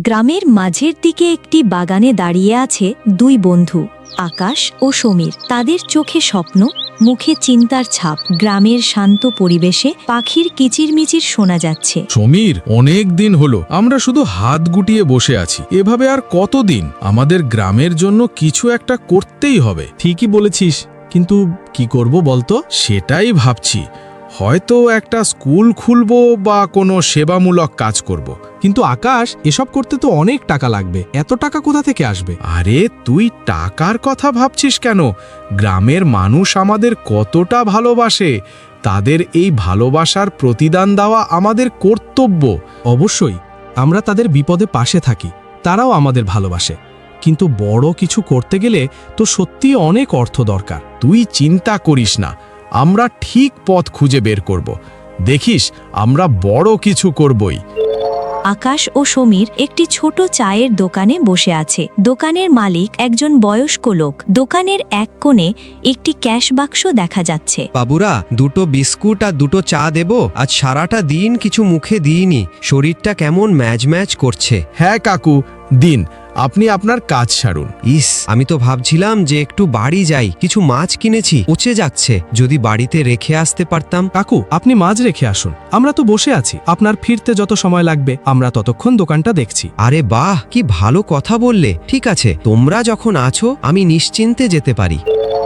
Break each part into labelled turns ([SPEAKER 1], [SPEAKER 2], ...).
[SPEAKER 1] গ্রামের মাঝের দিকে একটি বাগানে দাঁড়িয়ে আছে দুই বন্ধু, আকাশ ও সমীর। তাদের চোখে স্বপ্ন, মুখে চিন্তার ছাপ। গ্রামের শান্ত পরিবেশে পাখির কিচিরমিচির শোনা যাচ্ছে।
[SPEAKER 2] সমীর, অনেক দিন হলো আমরা শুধু হাত গুটিয়ে বসে আছি। এভাবে আর কতদিন? আমাদের গ্রামের জন্য কিছু একটা করতেই হবে।
[SPEAKER 3] ঠিকই বলেছিস, কিন্তু কি করব বলতো?
[SPEAKER 2] সেটাই ভাবছি, হয়তো একটা স্কুল খুলবো বা কোনো সেবামূলক কাজ করব।
[SPEAKER 3] কিন্তু আকাশ, এসব করতে তো অনেক টাকা লাগবে। এত টাকা কোথা থেকে আসবে?
[SPEAKER 2] আরে তুই টাকার কথা ভাবছিস কেন? গ্রামের মানুষ আমাদের কতটা ভালোবাসে, তাদের এই ভালোবাসার প্রতিদান দেওয়া আমাদের কর্তব্য।
[SPEAKER 3] অবশ্যই, আমরা তাদের বিপদে পাশে থাকি, তারাও আমাদের ভালোবাসে। কিন্তু বড় কিছু করতে গেলে তো সত্যিই অনেক অর্থ দরকার।
[SPEAKER 2] তুই চিন্তা করিস না, আমরা ঠিক পথ খুঁজে বের করব। দেখিস, আমরা বড় কিছু করবই।
[SPEAKER 1] আকাশ ও সমীর একটি ছোট চায়ের দোকানে বসে আছে। দোকানের মালিক একজন বয়স্ক লোক। দোকানের এক কোণে একটি ক্যাশ বাক্স দেখা যাচ্ছে।
[SPEAKER 4] বাবুরা, দুটো বিস্কুট আর দুটো চা দেব? আজ সারাটা দিন কিছু মুখে দিইনি, শরীরটা কেমন ম্যাজ ম্যাজ করছে।
[SPEAKER 2] হ্যাঁ কাকু, দিন, আপনি আপনার কাজ সারুন।
[SPEAKER 4] ইস, আমি তো ভাবছিলাম যে একটু বাড়ি যাই, কিছু মাছ কিনেছি, পচে যাচ্ছে, যদি বাড়িতে রেখে আসতে পারতাম।
[SPEAKER 3] কাকু, আপনি মাছ রেখে আসুন, আমরা তো বসে আছি। আপনার ফিরতে যত সময় লাগবে আমরা ততক্ষণ দোকানটা দেখছি।
[SPEAKER 4] আরে বাহ, কি ভালো কথা বললে। ঠিক আছে, তোমরা যখন আছো আমি নিশ্চিন্তে যেতে পারি।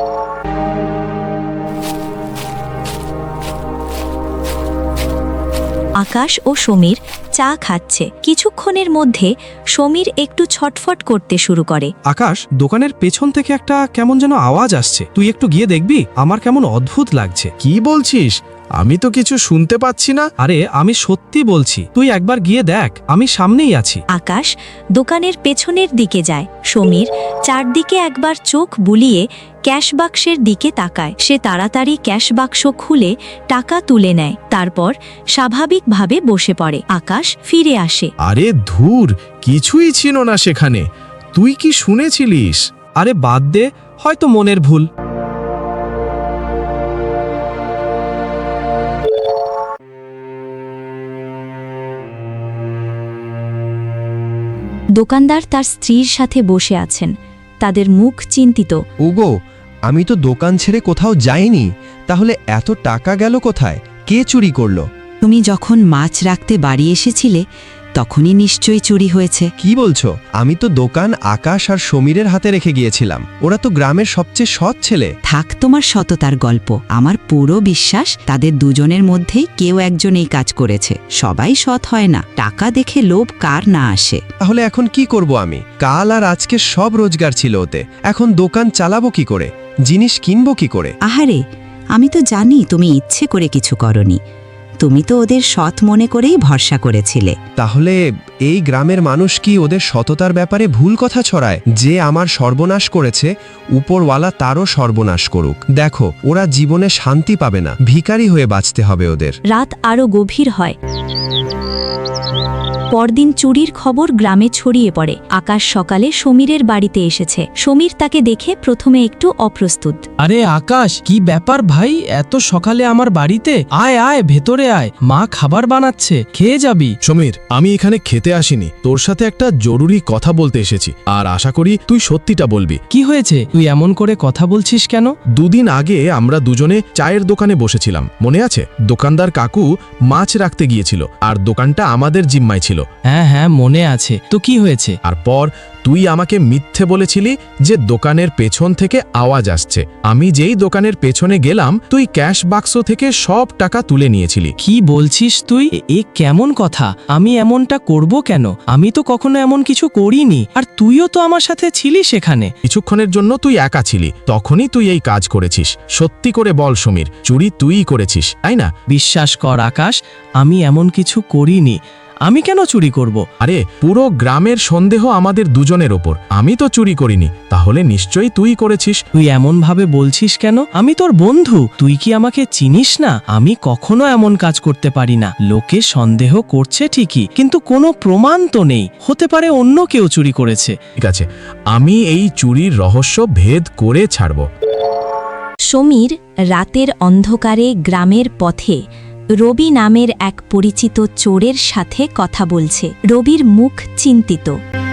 [SPEAKER 1] আকাশ ও সমীর চা খাচ্ছে। কিছুক্ষণের মধ্যে সমীর একটু ছটফট করতে শুরু করে।
[SPEAKER 3] আকাশ, দোকানের পেছন থেকে একটা কেমন যেন আওয়াজ আসছে, তুই একটু গিয়ে দেখবি? আমার কেমন অদ্ভুত লাগছে।
[SPEAKER 2] কি বলছিস? আমি তো কিছু শুনতে পাচ্ছি না।
[SPEAKER 3] আরে আমি সত্যি বলছি, তুই একবার গিয়ে দেখ, আমি সামনেই আছি।
[SPEAKER 1] আকাশ দোকানের পেছনের দিকে যায়। সমীর চারদিকে একবার চোখ বুলিয়ে ক্যাশ বাক্সের দিকে তাকায়। সে তাড়াতাড়ি ক্যাশ বাক্স খুলে টাকা তুলে নেয়, তারপর স্বাভাবিকভাবে বসে পড়ে। আকাশ ফিরে আসে।
[SPEAKER 2] আরে ধুর, কিছুই ছিল না সেখানে। তুই কি শুনেছিলিস?
[SPEAKER 3] আরে বাদ দে, হয়তো মনের ভুল।
[SPEAKER 1] দোকানদার তার স্ত্রীর সাথে বসে আছেন, তাদের মুখ চিন্তিত।
[SPEAKER 4] ওগো, আমি তো দোকান ছেড়ে কোথাও যাইনি, তাহলে এত টাকা গেল কোথায়? কে চুরি করলো?
[SPEAKER 5] তুমি যখন মাছ রাখতে বাড়ি এসেছিলে তখনই নিশ্চয়ই চুরি হয়েছে।
[SPEAKER 4] কি বলছো? আমি তো দোকান আকাশ আর সমীরের হাতে রেখে গিয়েছিলাম। ওরা তো গ্রামের সবচেয়ে সৎ ছেলে।
[SPEAKER 5] থাক তোমার সততার গল্প, আমার পুরো বিশ্বাস তাদের দুজনের মধ্যেই কেউ একজন এই কাজ করেছে। সবাই সৎ হয় না, টাকা দেখে লোভ কার না আসে।
[SPEAKER 4] তাহলে এখন কি করব আমি? কাল আর আজকে সব রোজগার ছিল ওতে, এখন দোকান চালাবো কি করে? জিনিস কিনবো কি করে?
[SPEAKER 5] আহারে, আমি তো জানি তুমি ইচ্ছে করে কিছু করনি, তুমি তো ওদের সৎ মনে করেই ভরসা করেছিলে।
[SPEAKER 4] তাহলে এই গ্রামের মানুষ কি ওদের সততার ব্যাপারে ভুল কথা ছড়ায়? যে আমার সর্বনাশ করেছে, উপরওয়ালা তারও সর্বনাশ করুক। দেখো, ওরা জীবনে শান্তি পাবে না, ভিখারি হয়ে বাঁচতে হবে ওদের।
[SPEAKER 1] রাত আরো গভীর হয়। পরদিন চুরির খবর গ্রামে ছড়িয়ে পড়ে। আকাশ সকালে সমীরের বাড়িতে এসেছে। সমীর তাকে দেখে প্রথমে একটু অপ্রস্তুত।
[SPEAKER 6] আরে আকাশ, কি ব্যাপার ভাই, এত সকালে আমার বাড়িতে? আয় আয়, ভেতরে আয়, মা খাবার বানাচ্ছে, খেয়ে যাবি।
[SPEAKER 2] সমীর, আমি এখানে খেতে আসিনি, তোর সাথে একটা জরুরি কথা বলতে এসেছি, আর আশা করি তুই সত্যিটা বলবি।
[SPEAKER 6] কি হয়েছে? তুই এমন করে কথা বলছিস কেন?
[SPEAKER 2] দুদিন আগে আমরা দুজনে চায়ের দোকানে বসেছিলাম, মনে আছে? দোকানদার কাকু মাছ রাখতে গিয়েছিল, আর দোকানটা আমাদের জিম্মায় ছিল।
[SPEAKER 6] হ্যাঁ হ্যাঁ, মনে আছে তো। কি হয়েছে?
[SPEAKER 2] আর পর তুই আমাকে মিথ্যে বলেছিলি যে দোকানের পেছন থেকে আওয়াজ আসছে। আমি যেই দোকানের পেছনে গেলাম, তুই ক্যাশ বাক্স থেকে সব টাকা তুলে নিয়েছিলি।
[SPEAKER 6] কি বলছিস তুই? এ কেমন কথা? আমি এমনটা করব কেন? আমি তো কখনো এমন কিছু করিনি, আর তুইও তো আমার সাথে ছিলিস সেখানে।
[SPEAKER 2] কিছুক্ষণের জন্য তুই একা ছিলি, তখনই তুই এই কাজ করেছিস। সত্যি করে বল সমীর, চুরি তুইই করেছিস, তাই না?
[SPEAKER 6] বিশ্বাস কর আকাশ, আমি এমন কিছু করিনি। আমি কেন চুরি করব?
[SPEAKER 2] আরে পুরো গ্রামের সন্দেহ আমাদের দুজনের ওপর। আমি তো চুরি করিনি, তাহলে নিশ্চয়ই তুই করেছিস।
[SPEAKER 6] তুই এমন ভাবে বলছিস কেন? আমি তোর বন্ধু, তুই কি আমাকে চিনিস না? আমি কখনো এমন কাজ করতে পারি না। লোকে সন্দেহ করছে ঠিকই, কিন্তু কোনো প্রমাণ তো নেই। হতে পারে অন্য কেউ চুরি করেছে।
[SPEAKER 2] ঠিক আছে, আমি এই চুরির রহস্য ভেদ করে ছাড়ব।
[SPEAKER 1] সমীর রাতের অন্ধকারে গ্রামের পথে রবি নামের এক পরিচিত চোরের সাথে কথা বলছে। রবির মুখ চিন্তিত।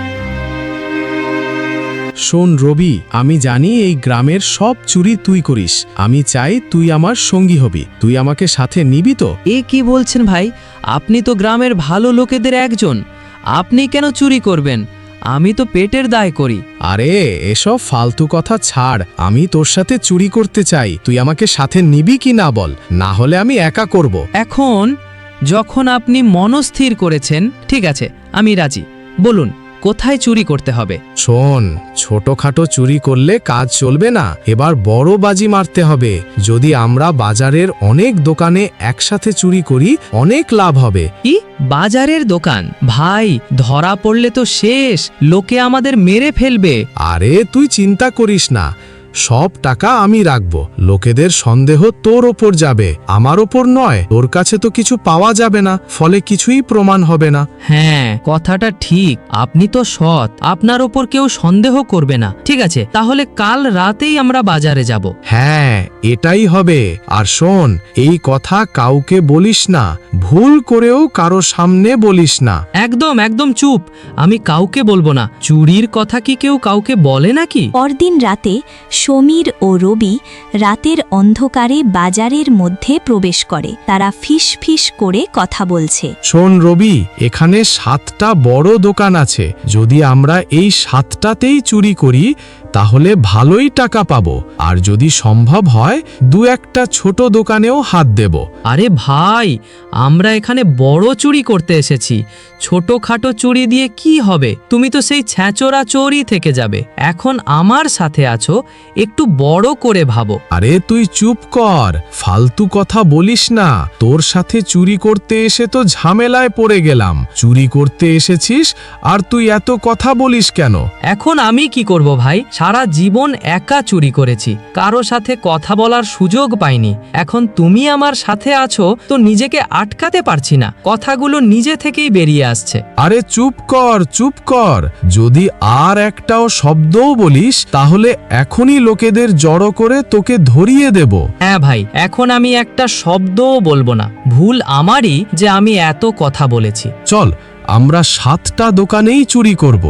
[SPEAKER 2] শোন রবি, আমি জানি এই গ্রামের সব চুরি তুই করিস। আমি চাই তুই আমার সঙ্গী হবি। তুই আমাকে সাথে নিবি তো?
[SPEAKER 7] এ কি বলছেন ভাই? আপনি তো গ্রামের ভালো লোকেদের একজন, আপনি কেন চুরি করবেন? আমি তো পেটের দায় করি।
[SPEAKER 2] আরে এসব ফালতু কথা ছাড়, আমি তোর সাথে চুরি করতে চাই। তুই আমাকে সাথে নিবি কি না বল, না হলে আমি একা করব।
[SPEAKER 7] এখন যখন আপনি মনস্থির করেছেন, ঠিক আছে, আমি রাজি। বলুন কোথায় চুরি করতে হবে?
[SPEAKER 2] শোন, ছোটখাটো চুরি করলে কাজ চলবে না, এবার বড় বাজি মারতে হবে। যদি আমরা বাজারের অনেক দোকানে একসাথে চুরি করি, অনেক লাভ হবে।
[SPEAKER 7] কি বাজারের দোকান? ভাই, ধরা পড়লে তো শেষ, লোকে আমাদের মেরে ফেলবে।
[SPEAKER 2] আরে তুই চিন্তা করিস না, সব টাকা আমি রাখব। লোকেদের সন্দেহ তোর ওপর যাবে, আমার ওপর নয়। তোর কাছে তো কিছু পাওয়া যাবে না, ফলে কিছুই প্রমাণ হবে না।
[SPEAKER 7] হ্যাঁ, কথাটা ঠিক। আপনি তো সৎ, আপনার ওপর কেউ সন্দেহ করবে না। ঠিক আছে, তাহলে কাল রাতেই আমরা বাজারে যাব।
[SPEAKER 2] হ্যাঁ, এটাই হবে। আর শোন, এই কথা কাউকে বলিস না, ভুল করেও কারো সামনে বলিস না।
[SPEAKER 7] একদম একদম চুপ, আমি কাউকে বলবো না। চুরির কথা কি কেউ কাউকে বলে নাকি?
[SPEAKER 1] পরদিন রাতে সমীর ও রবি রাতের অন্ধকারে বাজারের মধ্যে প্রবেশ করে। তারা ফিস ফিস করে কথা বলছে।
[SPEAKER 2] শোন রবি, এখানে 7টা বড় দোকান আছে। যদি আমরা এই 7টাতেই চুরি করি, তাহলে ভালোই টাকা পাবো। আর যদি সম্ভব হয়, 2-1টা ছোট দোকানেও হাত দেব।
[SPEAKER 7] আরে ভাই, আমরা এখানে বড় চুরি করতে এসেছি। ছোটখাটো চুরি দিয়ে কি হবে? তুমি তো সেই ছ্যাঁচোরা চোরই থেকে যাবে। এখন আমার সাথে আছো, একটু বড় করে ভাবো।
[SPEAKER 2] আরে তুই চুপ কর, ফালতু কথা বলিস না। তোর সাথে চুরি করতে এসে তো ঝামেলায় পড়ে গেলাম। চুরি করতে এসেছিস আর তুই এত কথা বলিস কেন?
[SPEAKER 7] এখন আমি কি করব ভাই? সারা জীবন একা চুরি করেছি, কারো সাথে কথা বলার সুযোগ পাইনি। এখন তুমি আমার সাথে আছো তো নিজেকে আটকাতে পারছি না, কথাগুলো নিজে থেকেই বেরিয়ে আসছে।
[SPEAKER 2] আরে চুপ কর, চুপ কর। যদি আর একটাও শব্দও বলিস, তাহলে এখনই লোকেদের জড়ো করে তোকে ধরিয়ে দেব।
[SPEAKER 7] হ্যাঁ ভাই, এখন আমি একটা শব্দও বলবো না। ভুল আমারই যে আমি এত কথা বলেছি।
[SPEAKER 2] চল, আমরা 7টা দোকানেই চুরি করব।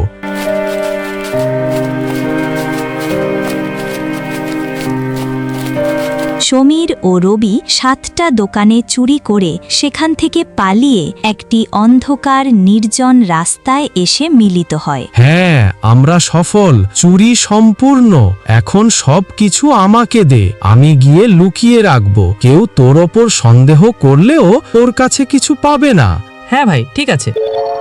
[SPEAKER 1] সমীর ও রবি 7টা দোকানে চুরি করে সেখান থেকে পালিয়ে একটি অন্ধকার নির্জন রাস্তায় এসে মিলিত হয়।
[SPEAKER 2] হ্যাঁ, আমরা সফল। চুরি সম্পূর্ণ। এখন সব কিছু আমাকে দে, আমি গিয়ে লুকিয়ে রাখবো। কেউ তোর ওপর সন্দেহ করলেও তোর কাছে কিছু পাবে না।
[SPEAKER 7] হ্যাঁ ভাই, ঠিক আছে।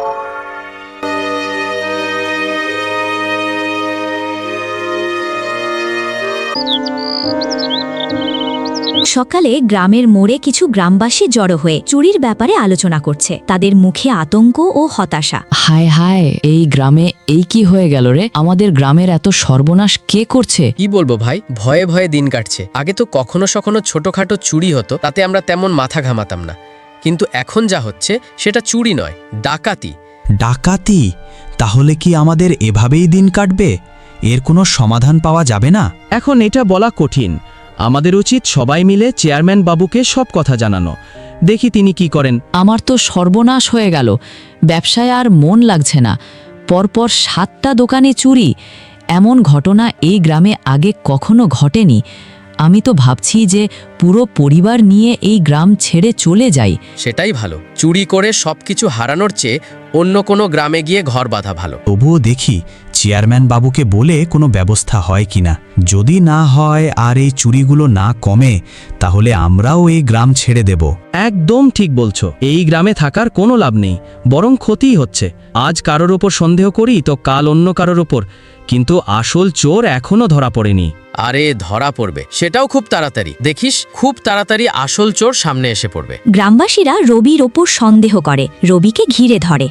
[SPEAKER 1] সকালে গ্রামের মোড়ে কিছু গ্রামবাসী জড়ো হয়ে চুরির ব্যাপারে আলোচনা করছে। তাদের মুখে আতঙ্ক ও হতাশা।
[SPEAKER 8] হায় হায়, এই গ্রামে এই কি হয়ে গেল রে? আমাদের গ্রামের এত সর্বনাশ কে করছে?
[SPEAKER 9] কি বলবো ভাই, ভয়ে ভয়ে দিন কাটছে। আগে তো কখনো সখনো ছোটখাটো চুরি হতো, তাতে আমরা তেমন মাথা ঘামাতাম না। কিন্তু এখন যা হচ্ছে সেটা চুরি নয়, ডাকাতি।
[SPEAKER 3] ডাকাতি? তাহলে কি আমাদের এভাবেই দিন কাটবে? এর কোনো সমাধান পাওয়া যাবে না?
[SPEAKER 6] এখন এটা বলা কঠিন। আমাদের উচিত সবাই মিলে চেয়ারম্যান বাবুকে সব কথা জানানো। দেখি তিনি কি করেন।
[SPEAKER 8] আমার তো সর্বনাশ হয়ে গেল, ব্যবসায় আর মন লাগছে না। পরপর 7টা দোকানে চুরি, এমন ঘটনা এই গ্রামে আগে কখনো ঘটেনি। আমি তো ভাবছি যে পুরো পরিবার নিয়ে এই গ্রাম ছেড়ে চলে যাই।
[SPEAKER 9] সেটাই ভালো। চুরি করে সবকিছু হারানোর চেয়ে অন্য কোনো গ্রামে গিয়ে ঘর বাঁধা ভালো।
[SPEAKER 3] তবুও দেখি চেয়ারম্যান বাবুকে বলে কোনো ব্যবস্থা হয় কিনা। যদি না হয় আর এই চুরিগুলো না কমে, তাহলে আমরাও এই গ্রাম ছেড়ে দেব।
[SPEAKER 6] একদম ঠিক বলছো। এই গ্রামে থাকার কোনো লাভ নেই, বরং ক্ষতিই হচ্ছে। আজ কারোর ওপর সন্দেহ করি তো কাল অন্য কারোর ওপর, কিন্তু আসল চোর এখনো ধরা পড়েনি।
[SPEAKER 9] আরে ধরা পড়বে, সেটাও খুব তাড়াতাড়ি। দেখিস, খুব তাড়াতাড়ি আসল চোর সামনে এসে পড়বে।
[SPEAKER 1] গ্রামবাসীরা রবির ওপর সন্দেহ করে, রবিকে ঘিরে ধরে।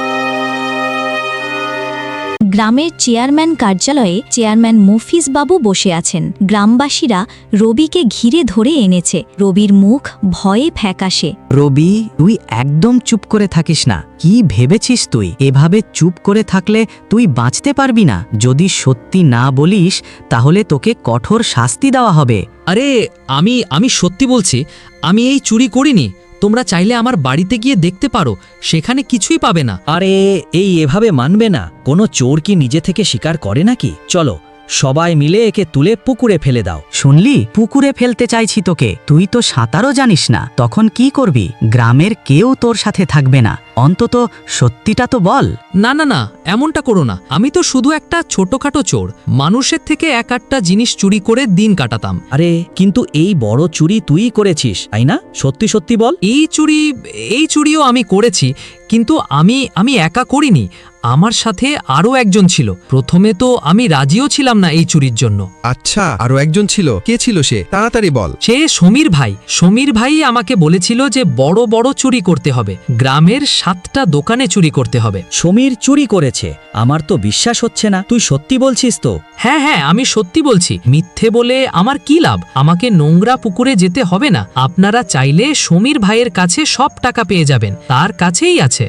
[SPEAKER 1] গ্রামের চেয়ারম্যান কার্যালয়ে চেয়ারম্যান মফিজ বাবু বসে আছেন। গ্রামবাসীরা রবিকে ঘিরে ধরে এনেছে। রবির মুখ ভয়ে ফ্যাকাশে।
[SPEAKER 10] রবি, তুই একদম চুপ করে থাকিস না। কি ভেবেছিস তুই? এভাবে চুপ করে থাকলে তুই বাঁচতে পারবি না। যদি সত্যি না বলিস, তাহলে তোকে কঠোর শাস্তি দেওয়া হবে।
[SPEAKER 7] আরে আমি সত্যি বলছি, আমি এই চুরি করিনি। তোমরা চাইলে আমার বাড়িতে গিয়ে দেখতে পারো, সেখানে কিছুই পাবে না।
[SPEAKER 10] আরে এভাবে মানবে না। কোনো চোর কি নিজে থেকে স্বীকার করে নাকি? চলো সবাই মিলে একে তুলে পুকুরে ফেলে দাও। শুনলি, পুকুরে ফেলতে চাইছি তোকে। তুই তো সাঁতারও জানিস না, তখন কি করবি? গ্রামের কেউ তোর সাথে থাকবে না। অন্তত সত্যিটা তো বল।
[SPEAKER 7] না না না, এমনটা করো না। আমি তো শুধু একটা ছোটখাটো চোর, মানুষের থেকে এক একটা জিনিস চুরি করে দিন কাটাতাম।
[SPEAKER 10] আরে কিন্তু এই বড় চুরি তুই করেছিস, তাই না? সত্যি সত্যি বল।
[SPEAKER 7] এই চুরিও আমি করেছি, কিন্তু আমি একা করিনি। আমার সাথে আরও একজন ছিল। প্রথমে তো আমি রাজিও ছিলাম না এই চুরির জন্য।
[SPEAKER 4] আচ্ছা, আরো একজন ছিল? কে ছিল সে? তাড়াতাড়ি বল।
[SPEAKER 7] সে সমীর ভাই আমাকে বলেছিল যে বড় বড় চুরি করতে হবে, গ্রামের 7টা দোকানে চুরি করতে হবে।
[SPEAKER 10] সমীর চুরি করেছে? আমার তো বিশ্বাস হচ্ছে না। তুই সত্যি বলছিস তো?
[SPEAKER 7] হ্যাঁ হ্যাঁ, আমি সত্যি বলছি। মিথ্যে বলে আমার কি লাভ? আমাকে নোংরা পুকুরে যেতে হবে না। আপনারা চাইলে সমীর ভাইয়ের কাছে সব টাকা পেয়ে যাবেন, তার কাছেই আছে।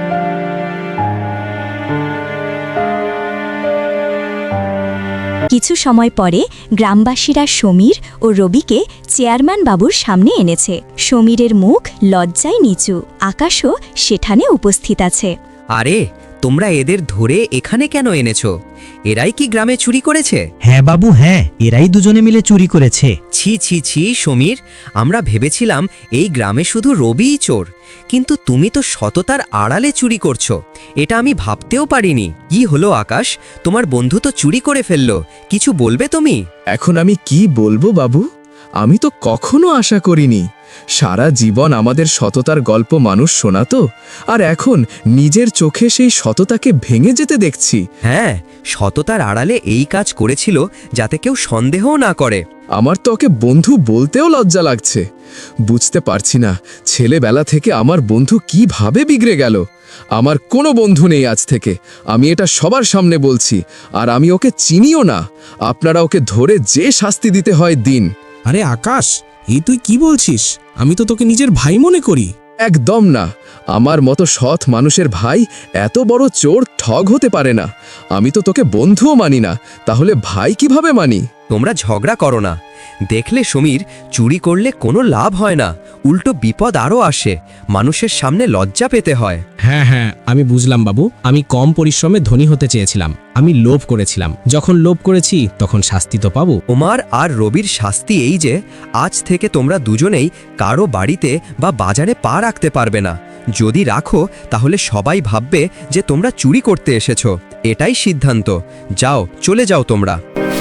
[SPEAKER 1] কিছু সময় পরে গ্রামবাসীরা সমীর ও রবিকে চেয়ারম্যান বাবুর সামনে এনেছে। সমীরের মুখ লজ্জায় নিচু। আকাশও সেখানে উপস্থিত আছে।
[SPEAKER 11] আরে, তোমরা এদের ধরে এখানে কেন এনেছো? এরাই কি গ্রামে চুরি করেছে?
[SPEAKER 10] হ্যাঁ বাবু, হ্যাঁ, এরাই দুজনে মিলে চুরি করেছে।
[SPEAKER 11] ছি ছি ছি সমীর, আমরা ভেবেছিলাম এই গ্রামে শুধু রবিই চোর, কিন্তু তুমি তো সততার আড়ালে চুরি করছো। এটা আমি ভাবতেও পারিনি। কি হলো আকাশ, তোমার বন্ধু তো চুরি করে ফেললো, কিছু বলবে তুমি?
[SPEAKER 2] এখন আমি কি বলবো বাবু? আমি তো কখনো আশা করিনি। সারা জীবন আমাদের সততার গল্প মানুষ শোনাতো, আর এখন নিজের চোখে সেই সততাকে ভেঙে যেতে দেখছি।
[SPEAKER 11] হ্যাঁ, সততার আড়ালে এই কাজ করেছিল যাতে কেউ সন্দেহও না করে।
[SPEAKER 2] আমার তো ওকে বন্ধু বলতেও লজ্জা লাগছে। বুঝতে পারছি না ছেলেবেলা থেকে আমার বন্ধু কিভাবে বিগড়ে গেল। আমার কোনো বন্ধু নেই আজ থেকে, আমি এটা সবার সামনে বলছি। আর আমি ওকে চিনিও না। আপনারা ওকে ধরে যে শাস্তি দিতে হয় দিন।
[SPEAKER 12] আরে আকাশ, এই তুই কি বলছিস? আমি তো তোকে নিজের ভাই মনে করি।
[SPEAKER 2] একদম না। আমার মতো সৎ মানুষের ভাই এত বড় চোর ঠগ হতে পারে না। আমি তো তোকে বন্ধুও মানি না, তাহলে ভাই কিভাবে মানি?
[SPEAKER 11] তোমরা ঝগড়া করো না। দেখলে সমীর, চুরি করলে কোনো লাভ হয় না, উল্টো বিপদ আরও আসে। মানুষের সামনে লজ্জা পেতে হয়।
[SPEAKER 12] হ্যাঁ হ্যাঁ, আমি বুঝলাম বাবু। আমি কম পরিশ্রমে ধনী হতে চেয়েছিলাম, আমি লোভ করেছিলাম। যখন লোভ করেছি তখন শাস্তি তো পাবো।
[SPEAKER 11] ওমার আর রবির শাস্তি এই যে আজ থেকে তোমরা দুজনেই কারো বাড়িতে বা বাজারে পা রাখতে পারবে না। যদি রাখো তাহলে সবাই ভাববে যে তোমরা চুরি করতে এসেছো। এটাই সিদ্ধান্ত। যাও, চলে যাও তোমরা।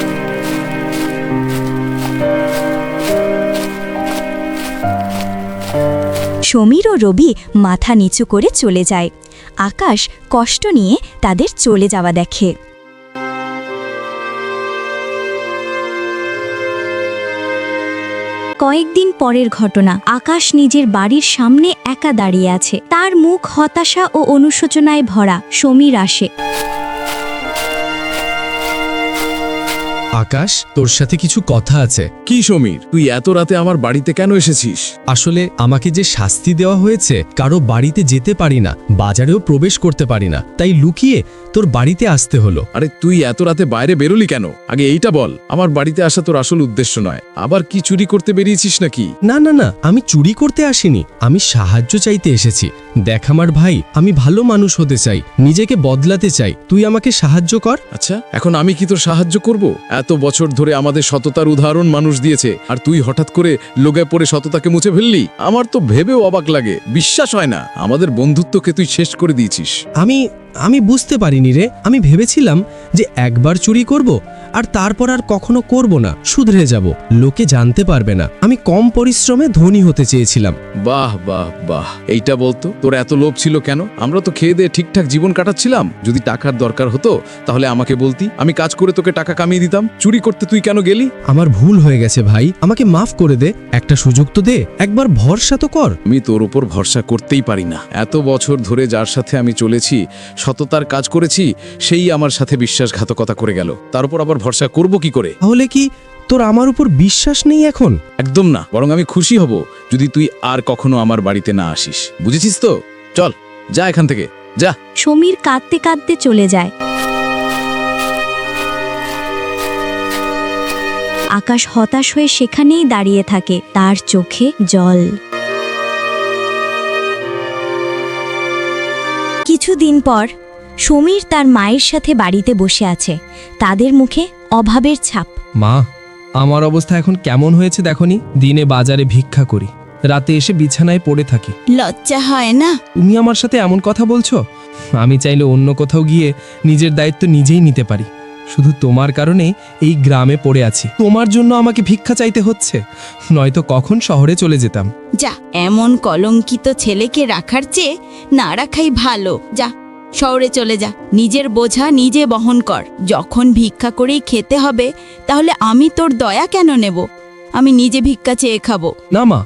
[SPEAKER 1] সমীর ও রবি মাথা নিচু করে চলে যায়। আকাশ কষ্ট নিয়ে তাদের চলে যাওয়া দেখে। কয়েকদিন পরের ঘটনা। আকাশ নিজের বাড়ির সামনে একা দাঁড়িয়ে আছে। তার মুখ হতাশা ও অনুশোচনায় ভরা। সমীর আসে।
[SPEAKER 2] আকাশ, তোর সাথে কিছু কথা আছে। কি সমীর, তুই এত রাতে আমার বাড়িতে কেন এসেছিস?
[SPEAKER 13] আসলে আমাকে যে শাস্তি দেওয়া হয়েছে, কারো বাড়িতে যেতে পারি না, বাজারেও প্রবেশ করতে পারি না, তাই লুকিয়ে তোর বাড়িতে আসতে হলো।
[SPEAKER 2] আরে তুই এত রাতে বাইরে বেরোলি কেন? আগে এইটা বল। আমার বাড়িতে আসা তোর আসল উদ্দেশ্য নয়। আবার কি চুরি করতে বেরিয়েছিস নাকি?
[SPEAKER 13] না না না, আমি চুরি করতে আসিনি, আমি সাহায্য চাইতে এসেছি। দেখ আমার ভাই, আমি ভালো মানুষ হতে চাই, নিজেকে বদলাতে চাই, তুই আমাকে সাহায্য কর।
[SPEAKER 2] আচ্ছা, এখন আমি কি তোর সাহায্য করব? এত বছর ধরে আমাদের সততার উদাহরণ মানুষ দিয়েছে, আর তুই হঠাৎ করে লোগায় পড়ে সততাকে মুছে ফেললি? আমার তো ভেবেও অবাক লাগে, বিশ্বাস হয় না। আমাদের বন্ধুত্বকে তুই শেষ করে দিয়েছিস।
[SPEAKER 13] আমি বুঝতে পারিনি রে। আমি ভেবেছিলাম যে একবার চুরি করব আর তারপর আর কখনো করব না, শুধরে যাব, লোকে জানতে পারবে না। আমি কম পরিশ্রমে ধনী হতে চেয়েছিলাম।
[SPEAKER 2] বাহ বাহ বাহ, এইটা বলতো তোর এত লোভ ছিল কেন? আমরা তো খেয়ে দিয়ে ঠিকঠাক জীবন কাটাচ্ছিলাম। যদি টাকার দরকার হতো তাহলে আমাকে বলতি, আমি কাজ করে তোকে টাকা কামিয়ে দিতাম। চুরি করতে তুই কেন গেলি?
[SPEAKER 13] আমার ভুল হয়ে গেছে ভাই, আমাকে মাফ করে দে, একটা সুযোগ তো দে, একবার ভরসা তো কর।
[SPEAKER 2] আমি তোর উপর ভরসা করতেই পারি না। এত বছর ধরে যার সাথে আমি চলেছি, সততার কাজ করেছি, সেই আমার সাথে বিশ্বাসঘাতকতা করে গেল। তার উপর আবার ভরসা করব কি করে?
[SPEAKER 13] তাহলে কি তোর আমার উপর বিশ্বাস নেই এখন?
[SPEAKER 2] একদম না, বরং আমি খুশি হব যদি তুই আর কখনো আমার বাড়িতে না আসিস। বুঝেছিস তো? চল, যা এখান থেকে, যা।
[SPEAKER 1] সমীর কাঁদতে কাঁদতে চলে যায়। আকাশ হতাশ হয়ে সেখানেই দাঁড়িয়ে থাকে, তার চোখে জল। কিছুদিন পর সমীর তার মায়ের সাথে বাড়িতে বসে আছে, তাদের মুখে অভাবের ছাপ।
[SPEAKER 13] মা, আমার অবস্থা এখন কেমন হয়েছে দেখনি? দিনে বাজারে ভিক্ষা করি, রাতে এসে বিছানায় পড়ে থাকি।
[SPEAKER 5] লজ্জা হয় না?
[SPEAKER 13] তুমি আমার সাথে এমন কথা বলছো? আমি চাইলে অন্য কোথাও গিয়ে নিজের দায়িত্ব নিজেই নিতে পারি। শুধু তোমার কারণে এই গ্রামে পড়ে আছি। তোমার জন্য আমাকে ভিক্ষা চাইতে হচ্ছে, নয়তো কখন শহরে চলে যেতাম।
[SPEAKER 5] যা, এমন কলঙ্কিত ছেলেকে রাখার চেয়ে না রাখাই ভালো। যা, শহরে চলে যা, নিজের বোঝা নিজে বহন কর। যখন ভিক্ষা করেই খেতে হবে, তাহলে আমি তোর দয়া কেন নেব? আমি নিজে ভিক্ষা চেয়ে খাবো।
[SPEAKER 13] না মা,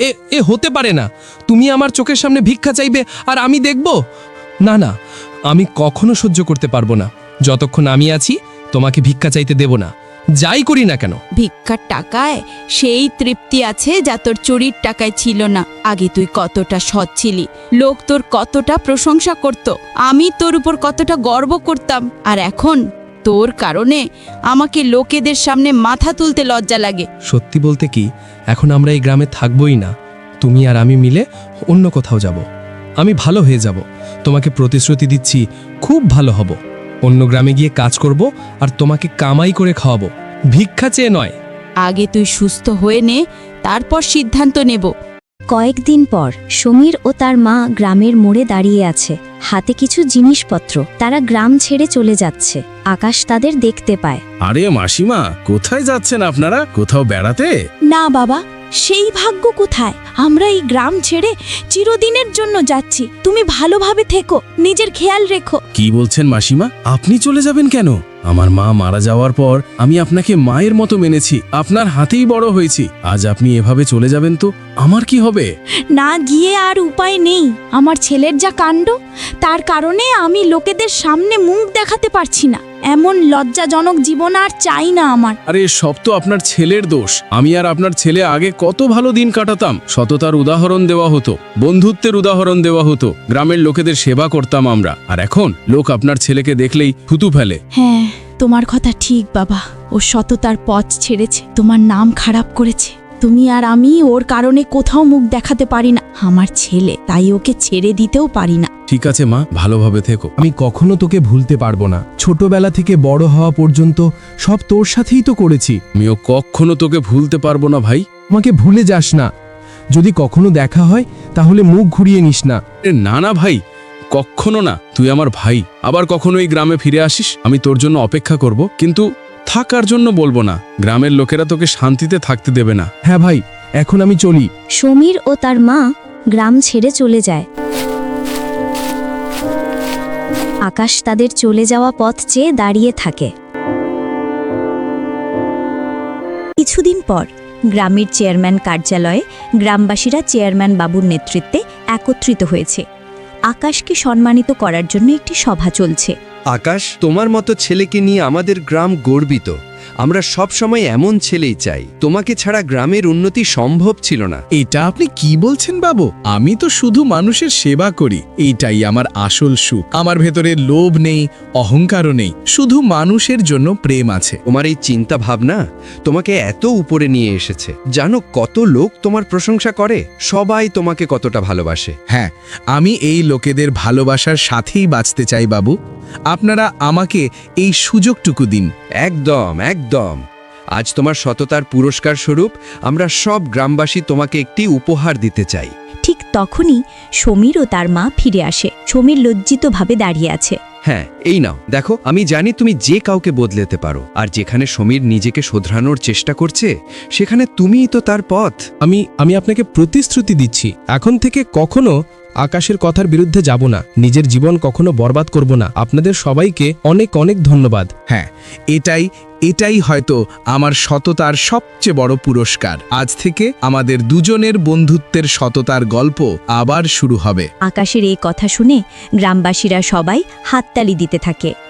[SPEAKER 13] এ হতে পারে না। তুমি আমার চোখের সামনে ভিক্ষা চাইবে আর আমি দেখব? না না, আমি কখনো সহ্য করতে পারবো না। যতক্ষণ আমি আছি তোমাকে ভিক্ষা চাইতে দেব না, যাই করি না কেন।
[SPEAKER 5] ভিক্ষার টাকায় সেই তৃপ্তি আছে যা তোর চুরির টাকায় ছিল না। আগে তুই কতটা সৎ ছিলি, লোক তোর কতটা প্রশংসা করত, আমি তোর উপর কতটা গর্ব করতাম। আর এখন তোর কারণে আমাকে লোকেদের সামনে মাথা তুলতে লজ্জা লাগে।
[SPEAKER 13] সত্যি বলতে কি, এখন আমরা এই গ্রামে থাকবোই না। তুমি আর আমি মিলে অন্য কোথাও যাব। আমি ভালো হয়ে যাব, তোমাকে প্রতিশ্রুতি দিচ্ছি, খুব ভালো হব। অন্য গ্রামে গিয়ে কাজ করব আর তোমাকে কামাই করে খাওয়াবো, ভিক্ষা চেয়ে নয়।
[SPEAKER 5] আগে তুই সুস্থ হয়ে নে, তারপর সিদ্ধান্ত নেব।
[SPEAKER 1] কয়েকদিন পর সমীর ও তার মা গ্রামের মোড়ে দাঁড়িয়ে আছে, হাতে কিছু জিনিসপত্র। তারা গ্রাম ছেড়ে চলে যাচ্ছে। আকাশ তাদের দেখতে পায়।
[SPEAKER 2] আরে মাসিমা, কোথায় যাচ্ছেন আপনারা? কোথাও বেড়াতে?
[SPEAKER 14] না বাবা, সেই ভাগ্য কোথায়? আমরা এই গ্রাম ছেড়ে চিরদিনের জন্য যাচ্ছি। তুমি ভালোভাবে থেকো, নিজের খেয়াল রেখো।
[SPEAKER 2] কি বলছেন মাসিমা? আপনি চলে যাবেন কেন? আমার মা মারা যাওয়ার পর আমি আপনাকে মায়ের মতো মেনেছি, আপনার হাতেই বড় হয়েছি। আজ আপনি এভাবে চলে যাবেন তো আমার কি হবে?
[SPEAKER 14] না গিয়ে আর উপায় নেই। আমার ছেলের যা কাণ্ড, তার কারণে আমি লোকেদের সামনে মুখ দেখাতে পারছি না। এমন লজ্জাজনক জীবন আর চাই না আমার।
[SPEAKER 2] আরে সব তো আপনার ছেলের দোষ। আমি আর আপনার ছেলে আগে কত ভালো দিন কাটাতাম। সততার উদাহরণ দেওয়া হতো, বন্ধুত্বের উদাহরণ দেওয়া হতো, গ্রামের লোকেদের সেবা করতাম আমরা। আর এখন লোক আপনার ছেলেকে দেখলেই থুতু ফেলে।
[SPEAKER 14] হ্যাঁ, তোমার কথা ঠিক বাবা। ও সততার পথ ছেড়েছে, তোমার নাম খারাপ করেছে। তুমি আর আমি ওর কারণে কোথাও মুখ দেখাতে পারি না। আমার ছেলে, তাই ওকে ছেড়ে দিতেও পারি না।
[SPEAKER 2] ঠিক আছে মা, ভালোভাবে থেকো।
[SPEAKER 13] আমি কখনো তোকে ভুলতে পারবো না। ছোটবেলা থেকে বড় হওয়া পর্যন্ত সব তোর সাথেই তো করেছি।
[SPEAKER 2] আমিও কখনো তোকে ভুলতে পারবো না ভাই।
[SPEAKER 13] আমাকে ভুলে যাস না। যদি কখনো দেখা হয় তাহলে মুখ ঘুরিয়ে নিস না।
[SPEAKER 2] না না ভাই, কখনো না। তুই আমার ভাই। আবার কখনো এই গ্রামে ফিরে আসিস, আমি তোর জন্য অপেক্ষা করব, কিন্তু থাকার জন্য বলবো না। গ্রামের লোকেরা তোকে শান্তিতে থাকতে দেবে না।
[SPEAKER 13] হ্যাঁ ভাই, এখন আমি চলি।
[SPEAKER 1] সমীর ও তার মা গ্রাম ছেড়ে চলে যায়। আকাশ তাদের চলে যাওয়া পথ চেয়ে দাঁড়িয়ে থাকে। কিছুদিন পর গ্রামের চেয়ারম্যান কার্যালয়ে গ্রামবাসীরা চেয়ারম্যান বাবুর নেতৃত্বে একত্রিত হয়েছে। আকাশকে সম্মানিত করার জন্য একটি সভা চলছে।
[SPEAKER 11] আকাশ, তোমার মতো ছেলেকে নিয়ে আমাদের গ্রাম গর্বিত। আমরা সব সময় এমন ছেলেই চাই। তোমাকে ছাড়া গ্রামের উন্নতি সম্ভব ছিল না।
[SPEAKER 2] এটা আপনি কি বলছেন বাবু? আমি তো শুধু মানুষের সেবা করি, এইটাই আমার আসল সুখ। আমার ভেতরে লোভ নেই, অহংকারও নেই, শুধু মানুষের জন্য প্রেম আছে।
[SPEAKER 11] তোমার এই চিন্তা ভাবনা তোমাকে এত উপরে নিয়ে এসেছে। জানো কত লোক তোমার প্রশংসা করে, সবাই তোমাকে কতটা ভালোবাসে।
[SPEAKER 2] হ্যাঁ, আমি এই লোকেদের ভালোবাসার সাথেই বাঁচতে চাই বাবু। আপনারা আমাকে এই সুযোগটুকু দিন।
[SPEAKER 11] একদম একদম। আজ তোমার সততার পুরস্কার স্বরূপ আমরা সব গ্রামবাসী তোমাকে একটি উপহার দিতে চাই।
[SPEAKER 1] ঠিক তখনই সমীর ও তার মা ফিরে আসে। সমীর লজ্জিতভাবে দাঁড়িয়ে আছে।
[SPEAKER 11] হ্যাঁ, এই নাও দেখো। আমি জানি তুমি যে কাউকে বদলেতে পারো, আর যেখানে সমীর নিজেকে শোধরানোর চেষ্টা করছে সেখানে তুমিই তো তার পথ।
[SPEAKER 13] আমি আপনাকে প্রতিশ্রুতি দিচ্ছি, এখন থেকে কখনো আকাশের কথার বিরুদ্ধে যাব না। নিজের জীবন কখনো বরবাদ করব না। আপনাদের সবাইকে অনেক অনেক ধন্যবাদ।
[SPEAKER 2] হ্যাঁ, এটাই হয়তো আমার সততার সবচেয়ে বড় পুরস্কার। আজ থেকে আমাদের দুজনের বন্ধুত্বের সততার গল্প আবার শুরু হবে।
[SPEAKER 1] আকাশের এই কথা শুনে গ্রামবাসীরা সবাই হাততালি দিতে থাকে।